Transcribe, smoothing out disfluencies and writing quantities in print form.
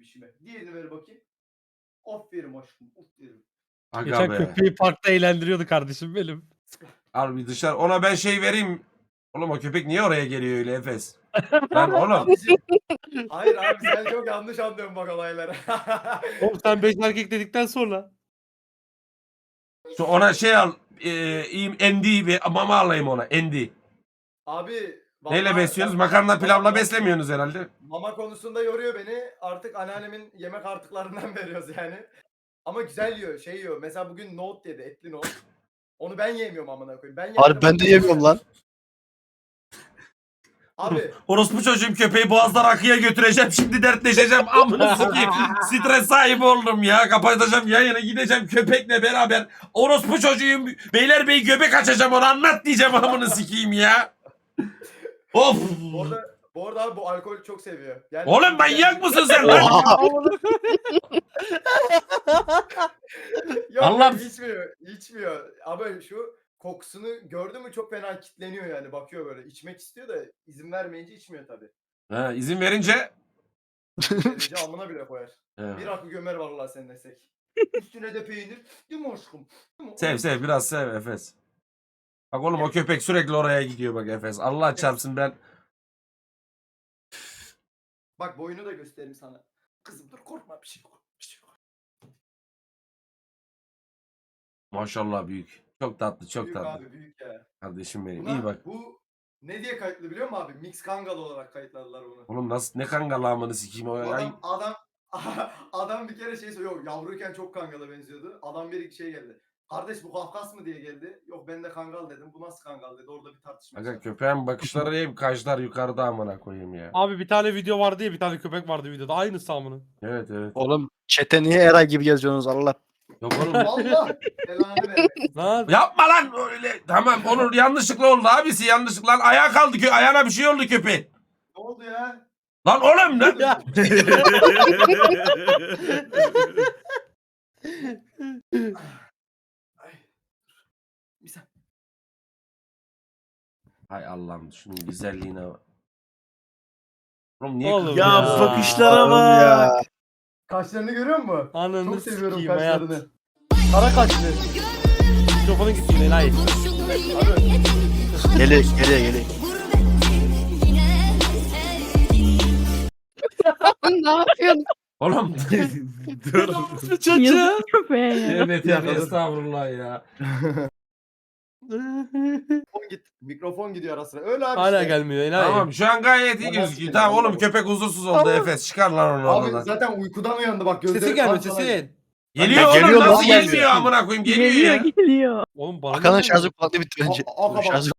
bebişime. Diğerini ver bakayım. Aferin aşkım. Aferin. Aga Geçen be. köpeği parkta eğlendiriyordu kardeşim benim. Al bir dışarı. Ona ben şey vereyim. Oğlum o köpek niye oraya geliyor öyle Efes? Lan oğlum. Abicim. Hayır abi sen çok yanlış anlıyorsun bak olayları. Oğlum sen 5 erkek dedikten sonra. Ona şey al. Endi bir mama alayım ona. Endi. Abi Neyle vallahi besliyorsunuz? ben- Makarna pilavla Mama- beslemiyorsunuz herhalde. Mama konusunda yoruyor beni. Artık anneannemin yemek artıklarından veriyoruz yani. Ama güzel yiyor, şey yiyor. Mesela bugün nohut yedi, etli nohut. Onu ben yemiyorum amına koyayım. Ben Harbi ben de yemiyorum lan. Abi Orospu çocuğum köpeği boğazdan akıya götüreceğim. Şimdi dertleşeceğim. Amına sikeyim. Stres sahibi oldum ya. Kapatacağım yayını gideceğim köpekle beraber. Orospu çocuğum Beylerbeyi göbek açacağım onu anlat diyeceğim amına sikeyim ya. Of. bu arada abi bu alkol çok seviyor. Yani Oğlum manyak mısın sen lan? Yok, Allah'ım. içmiyor. Abi şu kokusunu gördü mü çok fena kitleniyor yani. Bakıyor böyle. İçmek istiyor da izin vermeyince içmiyor tabii. Ha, izin verince. Verince alnına bile koyar. Ha. Bir akı gömer vallahi sen desek. Üstüne de peynir. Değil mi aşkım? Değil mi? Sev biraz sev Efes. Bak oğlum o köpek sürekli oraya gidiyor bak Efes. Allah çarpsın ben. Bak boyunu da göstereyim sana. Kızım dur korkma bir şey yok. Bir şey yok. Maşallah büyük. Çok tatlı çok Büyük tatlı. abi büyük ya. Kardeşim benim. Buna, İyi bak. Bu ne diye kayıtlı biliyor musun abi? Mix Kangal olarak kayıtladılar bunu. Oğlum nasıl ne kangalamını sikeyim o ya. Adam bir kere şey söylüyor. Yok yavruyken çok Kangal'a benziyordu. Adam bir şey geldi. Kardeş bu Kafkas mı diye geldi. Yok ben de Kangal dedim. Bu nasıl Kangal dedi. Orada bir tartışma Aga çıktı. köpeğin bakışları hep kaşlar yukarıda amına koyayım ya. Abi bir tane video vardı ya, bir tane köpek vardı videoda. Aynısı amına. Evet evet. Oğlum çete niye Eray gibi geziyorsunuz Allah? Yok oğlum. Allah belanı vermesin. Lan Yapma lan öyle. Tamam onun yanlışlıkla oldu abisi yanlışlıkla. Lan ayağa kaldı ayağına bir şey oldu köpeğin. Ne oldu ya? Lan oğlum ne? Ay. Bir saniye. Hay Allah'ım şunun güzelliğine bak. Oğlum niye Oğlum kızıyor ya. ya? bakışlara Oğlum ya. Kaşlarını görüyor musun? ananı Çok seviyorum sikeyim hayat. kaşlarını. Kara kaşlı. Mikrofonun gitti enayi. Geliyor. Ne yapıyorsun? Oğlum Dur. Çocuğu. Yazık köpeğe ya. evet evet estağfurullah ya. Mikrofon gidiyor ara sıra. Öyle abi Hala işte. gelmiyor enayi. Tamam şu an gayet iyi Tamam, gözüküyor. tamam. Tamam oğlum köpek huzursuz oldu Efes. Çıkar lan onu Abi oradan. zaten uykudan uyandı bak gözleri. Sesin gelmiyor kapkara. sesin. Geliyor Ya oğlum geliyor lan, nasıl geliyor. gelmiyor amına koyayım geliyor ya. Geliyor. Oğlum bana Hakan'ın ne şarjı oluyor? kulaklığı bitti bence. Aa, bak. Şarjı